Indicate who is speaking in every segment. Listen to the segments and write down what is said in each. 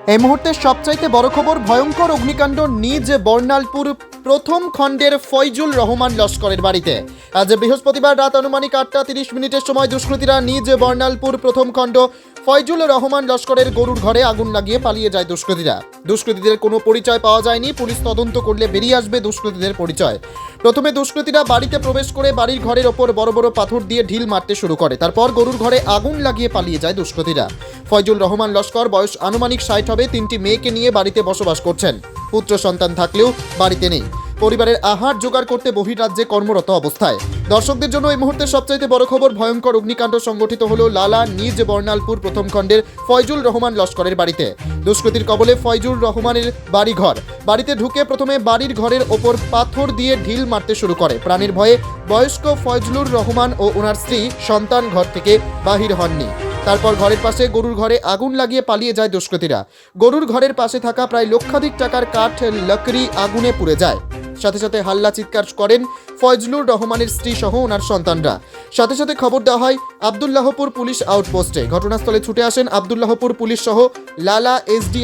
Speaker 1: এই মুহূর্তে সবচাইতে বড় খবর, ভয়ঙ্কর অগ্নিকাণ্ড নিজ বর্ণালপুর প্রথম খণ্ডের ফয়জুল রহমান লস্করের বাড়িতে। আজ বৃহস্পতিবার রাত আনুমানিক 8:30 সময় দুষ্কৃতীরা নিজ বর্ণালপুর প্রথম খণ্ড ফয়জুল রহমান লস্করের গরুর ঘরে আগুন লাগিয়ে পালিয়ে যায় দুষ্কৃতীরা। দুষ্কৃতীদের কোনো পরিচয় পাওয়া যায়নি। পুলিশ তদন্ত করলে বেরিয়ে আসবে দুষ্কৃতীদের পরিচয়। প্রথমে দুষ্কৃতীরা বাড়িতে প্রবেশ করে বাড়ির ঘরের ওপর বড় বড় পাথর দিয়ে ঢিল মারতে শুরু করে। তারপর গরুর ঘরে আগুন লাগিয়ে পালিয়ে যায় দুষ্কৃতীরা। ফয়জুল রহমান লস্কর বয়স আনুমানিক 60 হবে। 3টি মেয়েকে নিয়ে বাড়িতে বসবাস করছেন। পুত্র সন্তান থাকলেও বাড়িতে নেই। পরিবারের আহার জোগাড় করতে বহির্রাজ্যে কর্মরত অবস্থায়। দর্শকদের জন্য এই মুহূর্তে সবচাইতে বড় খবর, ভয়ঙ্কর অগ্নিকাণ্ড সংঘটিত হলো লালা নিজ বর্ণালপুর প্রথম খণ্ডের ফয়জুল রহমান লস্করের বাড়িতে। দুষ্কৃতীর কবলে ফয়জুল রহমানের বাড়িঘর। বাড়িতে ঢুকে প্রথমে বাড়ির ঘরের ওপর পাথর দিয়ে ঢিল মারতে শুরু করে। প্রাণের ভয়ে বয়স্ক ফয়জলুর রহমান ও ওনার স্ত্রী সন্তান ঘর থেকে বাহির হননি। তারপর ঘরের পাশে গরুর ঘরে আগুন লাগিয়ে পালিয়ে যায় দুষ্কৃতীরা। গরুর ঘরের পাশে থাকা প্রায় লক্ষাধিক টাকার কাঠ লকড়ি আগুনে পুড়ে যায়। সাথে সাথে হাল্লা চিৎকার করেন ফয়জলুর রহমানের স্ত্রী সহ ওনার সন্তানরা। সাথে সাথে খবর দেওয়া হয় আব্দুল্লাহপুর পুলিশ আউটপোস্টে। ঘটনাস্থলে ছুটে আসেন আব্দুল্লাহপুর পুলিশ সহ লালা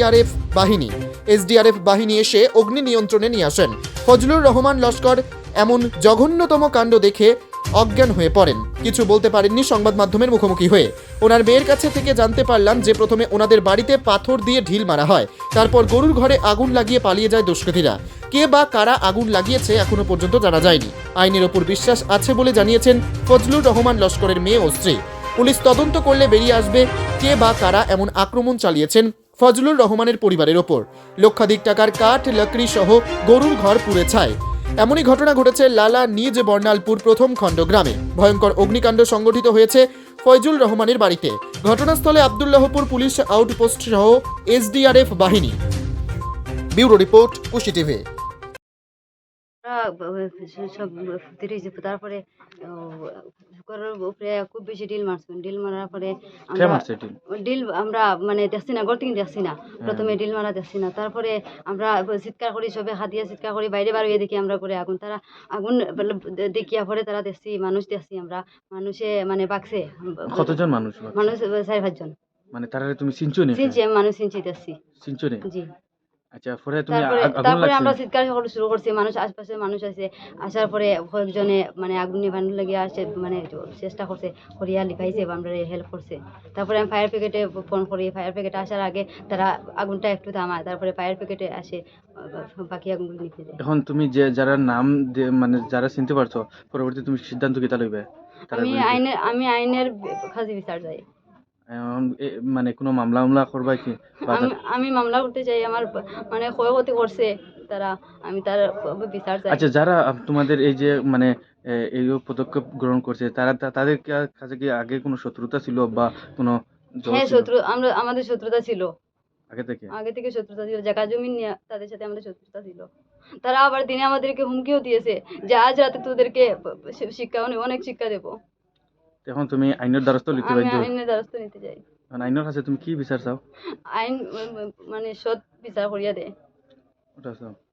Speaker 1: এসডিআরএফ বাহিনী এসে অগ্নি নিয়ন্ত্রণে নিয়ে আসেন। ফজলুর রহমান লস্কর এমন জঘন্যতম কাণ্ড দেখে অজ্ঞান হয়ে পড়েন। কিছু বলতে পারেননি সংবাদ মাধ্যমের মুখোমুখি হয়ে। ওনার মেয়ের কাছে থেকে জানতে পারলাম যে প্রথমে ওনাদের বাড়িতে পাথর দিয়ে ঢিল মারা হয়, তারপর গরুর ঘরে আগুন লাগিয়ে পালিয়ে যায় দুষ্কৃতীরা। কে বা কারা আগুন লাগিয়েছে এখনো পর্যন্ত জানা যায়নি। আইনের ওপর বিশ্বাস আছে বলে জানিয়েছেন ফজলুর রহমান লস্করের মেয়ে ও স্ত্রী। পুলিশ তদন্ত করলে বেরিয়ে আসবে কে বা কারা এমন আক্রমণ চালিয়েছেন ফজলুর রহমানের পরিবারের ওপর। লক্ষাধিক টাকার কাঠ লকড়ি সহ গরুর ঘর পুড়ে ছাই। এমনই ঘটনা ঘটেছে লালা নিজ বর্ণালপুর প্রথম খণ্ড গ্রামে। ভয়ঙ্কর অগ্নিকাণ্ড সংঘটিত হয়েছে ফয়জুল রহমানের বাড়িতে। ঘটনাস্থলে আব্দুল্লাহপুর পুলিশ আউটপোস্ট সহ এসডিআরএফ বাহিনী। Bureau report, Kushi TV.
Speaker 2: সব তারপরে ঘরের উপরে খুব বেশি ডিল মারছেন। ডিল মারার পরে ডিল আমরা মানে দেখছি না, ঘর থেকে দেখছি না। প্রথমে ডিল মারা দেখছি না, তারপরে আমরা চিৎকার করি, সবে হাত দিয়ে চিৎকার করি, বাইরে বার হয়ে দেখি আমরা করে আগুন। তারা আগুন দেখিয়া পরে তারা দেখছি মানুষ, দেখছি আমরা মানুষে মানে বাকছে।
Speaker 3: কতজন মানুষ?
Speaker 2: মানুষ 4-5 জন।
Speaker 3: মানে তারা তুমি চিনছো নি?
Speaker 2: চিনছি, আমি মানুষ চিনছি, দেখছি।
Speaker 3: চিনছো নি?
Speaker 2: জি।
Speaker 3: আচ্ছা, পরে তুমি
Speaker 2: তারপরে আমরা চিৎকার শুরু করছি। মানুষ, আশপাশের মানুষ আছে। আসার পরে কয়েকজনে মানে আগুন নিভানোর লাগে আসে, মানে চেষ্টা করছে, করিয়া লিখাইছে, আমরা হেল্প করছে। তারপরে আমি ফায়ার ব্রিগেডে ফোন করি। ফায়ার ব্রিগেড আসার আগে তারা আগুনটা একটু থামায়, তারপরে ফায়ার ব্রিগেডে আসে বাকি আগুনগুলো নিতে যায়।
Speaker 3: এখন তুমি যে যারা নাম মানে যারা চিনতে পারছো, পরবর্তী তুমি সিদ্ধান্ত কিতা লইবে?
Speaker 2: আমি আইনের কাছে বিচার চাই।
Speaker 3: মানে কোনো মামলা করবা কি?
Speaker 2: আমি মামলা করতে চাই। আমার মানে ক্ষয়ক্ষতি করছে তারা, আমি তার বিচার চাই।
Speaker 3: আচ্ছা, যারা তোমাদের এই যে মানে এই পদক্ষেপ গ্রহণ করছে, তাদের কাছে কি আগে কোনো শত্রুতা ছিল বা কোনো?
Speaker 2: হ্যাঁ, আমাদের শত্রুতা ছিল আগে থেকে শত্রুতা ছিল। জায়গা জমি নিয়ে তাদের সাথে আমাদের শত্রুতা ছিল। তারা আবার দিনে আমাদেরকে হুমকিও দিয়েছে যে আজ রাতে তোদেরকে অনেক শিক্ষা দেবো।
Speaker 3: এখন তুমি আইনের দ্বারস্থ নিতে বাধ্য?
Speaker 2: আইনের দ্বারস্থ নিতে চাই।
Speaker 3: আইনের কাছে তুমি কি বিচার চাও?
Speaker 2: আইন মানে সৎ বিচার করিয়া দেয়,
Speaker 3: ওটা চাও?